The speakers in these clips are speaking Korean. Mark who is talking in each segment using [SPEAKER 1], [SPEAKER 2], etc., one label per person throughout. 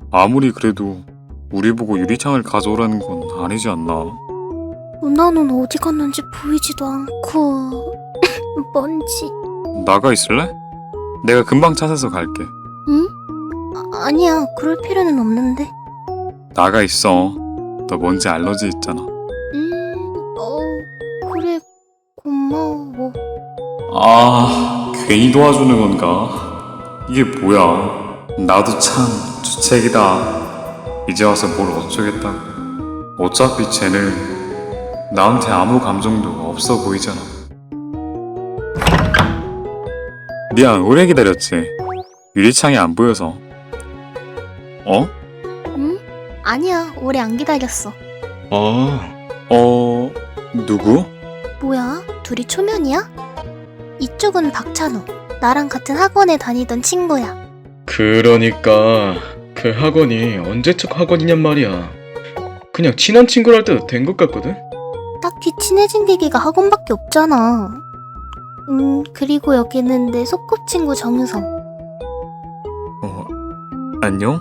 [SPEAKER 1] 아무리 그래도 우리 보고 유리창을 가져오라는 건 아니지 않나?
[SPEAKER 2] 누나는 어디 갔는지 보이지도 않고 먼지.
[SPEAKER 1] 나가 있을래? 내가 금방 찾아서 갈게.
[SPEAKER 2] 응? 아니야, 그럴 필요는 없는데.
[SPEAKER 1] 나가 있어. 너 먼지 알러지 있잖아.
[SPEAKER 2] 그래, 고마워.
[SPEAKER 1] 아, 괜히 도와주는 건가? 이게 뭐야? 나도 참 주책이다. 이제 와서 뭘 어쩌겠다고. 어차피 쟤는 나한테 아무 감정도 없어 보이잖아. 미안, 오래 기다렸지. 유리창이 안 보여서. 어?
[SPEAKER 2] 응? 아니야, 오래 안 기다렸어.
[SPEAKER 1] 누구?
[SPEAKER 2] 뭐야? 둘이 초면이야? 이쪽은 박찬호. 나랑 같은 학원에 다니던 친구야.
[SPEAKER 3] 그러니까 그 학원이 언제적 학원이냔 말이야. 그냥 친한 친구랄 때도 된 것 같거든?
[SPEAKER 2] 딱히 친해진 계기가 학원밖에 없잖아. 그리고 여기는 내 소꿉친구 정유성.
[SPEAKER 1] 안녕?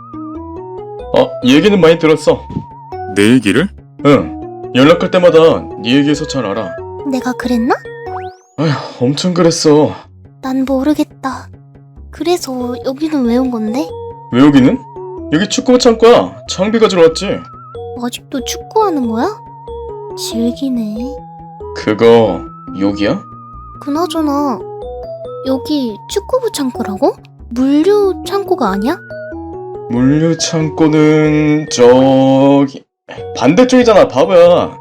[SPEAKER 3] 얘기는 많이 들었어.
[SPEAKER 1] 내 얘기를?
[SPEAKER 3] 응, 연락할 때마다 네 얘기해서 잘 알아.
[SPEAKER 2] 내가 그랬나?
[SPEAKER 3] 아휴, 엄청 그랬어.
[SPEAKER 2] 난 모르겠다. 그래서 여기는 왜 온 건데?
[SPEAKER 3] 왜 여기는? 여기 축구 창고야. 장비 가지러 왔지.
[SPEAKER 2] 아직도 축구하는 거야? 즐기네.
[SPEAKER 3] 그거 여기야?
[SPEAKER 2] 그나저나 여기 축구부 창고라고? 물류 창고가 아니야?
[SPEAKER 3] 물류 창고는 저기 반대쪽이잖아, 바보야.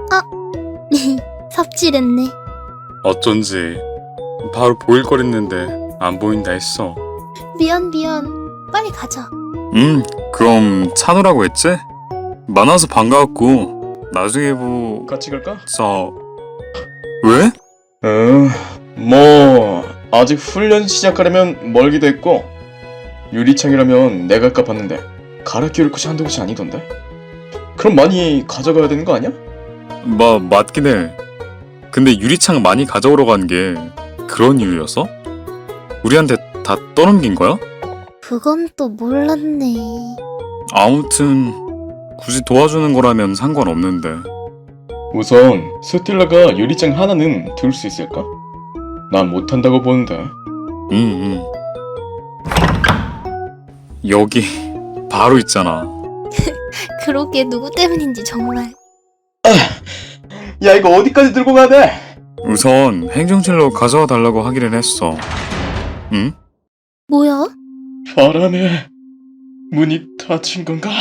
[SPEAKER 2] 삽질했네.
[SPEAKER 1] 어쩐지 바로 보일 걸 했는데 안 보인다 했어.
[SPEAKER 2] 미안. 빨리 가자.
[SPEAKER 1] 그럼 찬우라고 했지? 만나서 반가웠고 나중에
[SPEAKER 3] 같이 갈까?
[SPEAKER 1] 왜?
[SPEAKER 3] 뭐 아직 훈련 시작하려면 멀기도 했고 유리창이라면 내가 아까 봤는데 갈아 끼울 곳이 한두 곳이 아니던데? 그럼 많이 가져가야 되는 거 아니야?
[SPEAKER 1] 맞긴 해. 근데 유리창 많이 가져오러 간 게 그런 이유였어? 우리한테 다 떠넘긴 거야?
[SPEAKER 2] 그건 또 몰랐네.
[SPEAKER 1] 아무튼 굳이 도와주는 거라면 상관없는데.
[SPEAKER 3] 우선 스텔라가 유리창 하나는 둘 수 있을까? 난 못한다고 보는데.
[SPEAKER 1] 응. 여기 바로 있잖아.
[SPEAKER 2] 그러게 누구 때문인지 정말.
[SPEAKER 3] 야, 이거 어디까지 들고 가야 돼?
[SPEAKER 1] 우선 행정실로 가져와 달라고 하기는 했어. 응?
[SPEAKER 2] 뭐야?
[SPEAKER 3] 바람에 문이 닫힌 건가?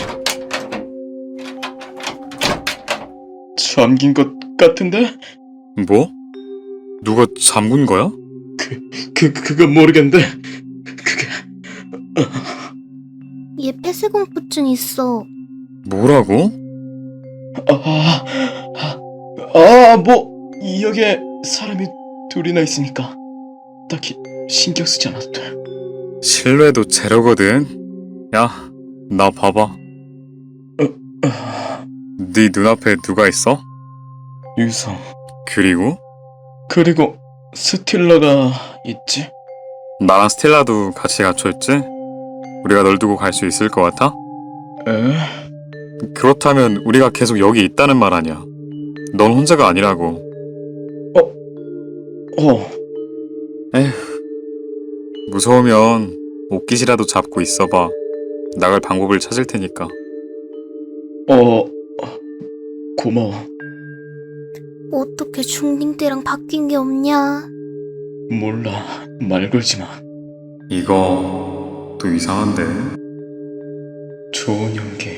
[SPEAKER 3] 잠긴 것 같은데?
[SPEAKER 1] 뭐? 누가 잠근 거야?
[SPEAKER 3] 그건 모르겠는데 그게
[SPEAKER 2] 얘 폐쇄공포증 있어.
[SPEAKER 1] 뭐라고?
[SPEAKER 3] 뭐 여기에 사람이 둘이나 있으니까 딱히 신경 쓰지 않아도 돼.
[SPEAKER 1] 신뢰도 제로거든. 야, 나 봐봐. 네 눈앞에 누가 있어?
[SPEAKER 3] 유성
[SPEAKER 1] 그리고
[SPEAKER 3] 그리고 스틸러가 있지?
[SPEAKER 1] 나랑 스텔라도 같이 갇혀있지? 우리가 널 두고 갈 수 있을 것 같아?
[SPEAKER 3] 에?
[SPEAKER 1] 그렇다면 우리가 계속 여기 있다는 말 아니야. 넌 혼자가 아니라고. 에휴, 무서우면 옷깃이라도 잡고 있어봐. 나갈 방법을 찾을 테니까.
[SPEAKER 3] 고마워.
[SPEAKER 2] 어떻게 중딩 때랑 바뀐 게 없냐?
[SPEAKER 3] 몰라, 말 걸지 마.
[SPEAKER 1] 이거 또 이상한데?
[SPEAKER 3] 좋은 연기.